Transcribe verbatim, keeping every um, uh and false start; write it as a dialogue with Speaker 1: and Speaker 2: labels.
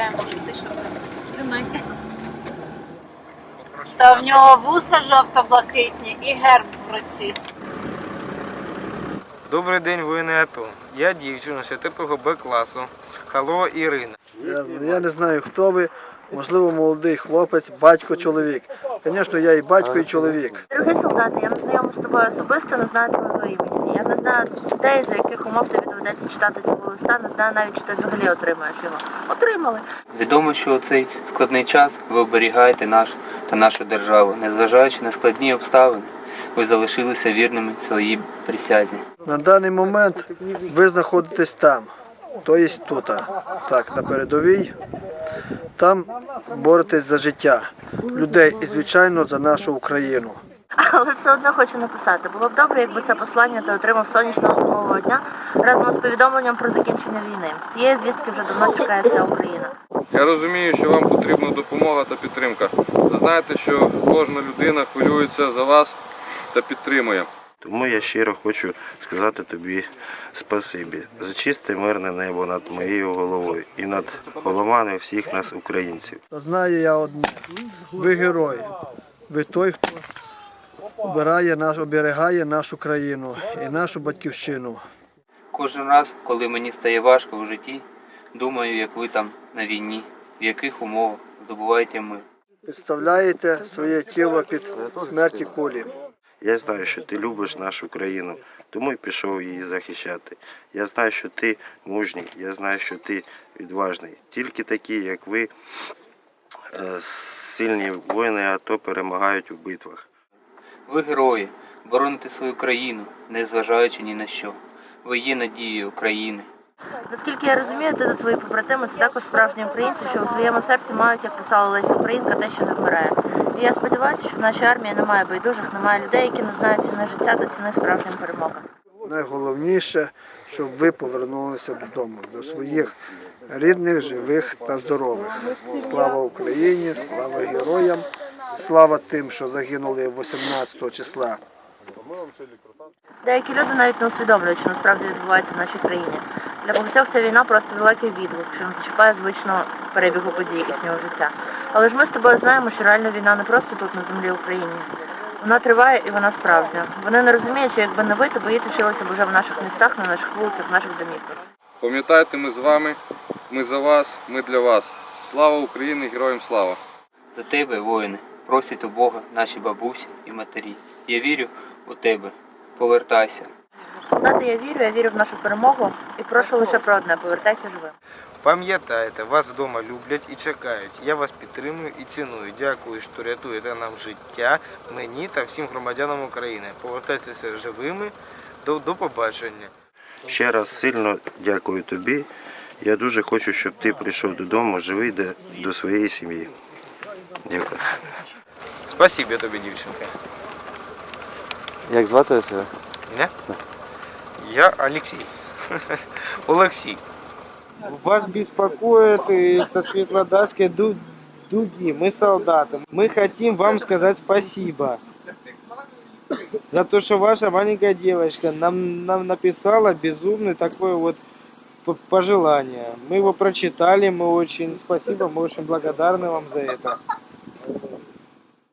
Speaker 1: виглядає модистично. Та в нього вуса жовто-блакитні і герб в руці.
Speaker 2: Добрий день, воїни АТО. Я дівчина четвертого Б класу. Халова Ірина.
Speaker 3: Я, я не знаю, хто ви. Можливо, молодий хлопець, батько, чоловік. Звісно, я і батько, і чоловік.
Speaker 4: Дорогий солдати, я не знайома з тобою особисто, не знаю твого імені. Я не знаю людей, за яких умов тобі доведеться читати цього листа, не знаю навіть, чи ти взагалі отримаєш його. Отримали.
Speaker 5: Відомо, що у цей складний час ви оберігаєте наш та нашу державу. Незважаючи на складні обставини, ви залишилися вірними своїй присязі.
Speaker 3: На даний момент ви знаходитесь там, тобто тут, так, на передовій. Там боретесь за життя людей і, звичайно, за нашу Україну.
Speaker 4: Але все одно хочу написати. Було б добре, якби це послання ти отримав сонячного зимового дня разом з повідомленням про закінчення війни. Цієї звістки вже давно чекає вся Україна.
Speaker 6: Я розумію, що вам потрібна допомога та підтримка. Ви знаєте, що кожна людина хвилюється за вас та підтримує.
Speaker 7: Тому я щиро хочу сказати тобі спасибі за чисте мирне небо над моєю головою і над головами всіх нас, українців.
Speaker 3: Знаю я одне. Ви герої. Ви той, хто обирає наш, оберігає нашу країну і нашу батьківщину.
Speaker 5: Кожен раз, коли мені стає важко у житті, думаю, як ви там на війні, в яких умовах здобуваєте мир.
Speaker 3: Підставляєте своє тіло під смерті кулі.
Speaker 7: Я знаю, що ти любиш нашу країну, тому й пішов її захищати. Я знаю, що ти мужній, я знаю, що ти відважний. Тільки такі, як ви, сильні воїни АТО перемагають у битвах.
Speaker 5: Ви герої, бороните свою країну, не зважаючи ні на що. Ви є надією України.
Speaker 4: Наскільки я розумію, ти та твої побратими – це також справжні українці, що у своєму серці мають, як писала Леся Українка, те, що не вмирає. І я сподіваюся, що в нашій армії немає байдужих, немає людей, які не знають ціни життя та ціни справжнім перемогам.
Speaker 3: Найголовніше, щоб ви повернулися додому, до своїх рідних, живих та здорових. Слава Україні, слава героям, слава тим, що загинули вісімнадцятого числа.
Speaker 4: Деякі люди навіть не усвідомлюють, що насправді відбувається в нашій країні. Для багатьох ця війна просто далекий відгук, що не зачіпає звичного перебігу подій їхнього життя. Але ж ми з тобою знаємо, що реальна війна не просто тут, на землі України. Вона триває і вона справжня. Вони не розуміють, що якби не ви, то бої точилися б уже в наших містах, на наших вулицях, в наших домівках.
Speaker 6: Пам'ятайте, ми з вами, ми за вас, ми для вас. Слава Україні, героям слава!
Speaker 5: За тебе, воїни, просять у Бога наші бабусі і матері. Я вірю у тебе. Повертайся.
Speaker 4: Солдати, я вірю, я вірю в нашу перемогу і прошу лише про одне – повертайся живим.
Speaker 2: Пам'ятайте, вас вдома люблять і чекають. Я вас підтримую і ціную. Дякую, що рятуєте нам життя, мені та всім громадянам України. Повертайтеся живими. До, до побачення.
Speaker 7: Ще раз сильно дякую тобі. Я дуже хочу, щоб ти прийшов додому живий до, до своєї сім'ї. Дякую.
Speaker 2: Спасибі тобі, дівчинка.
Speaker 8: Як звати тебе?
Speaker 2: Мене? Я Олексій. Олексій.
Speaker 9: Вас беспокоит и со Светлодарской ду- дуги. Мы солдаты. Мы хотим вам сказать спасибо за то, что ваша маленькая девочка нам, нам написала безумное такое вот п- пожелание. Мы его прочитали, мы очень спасибо, мы очень благодарны вам за это.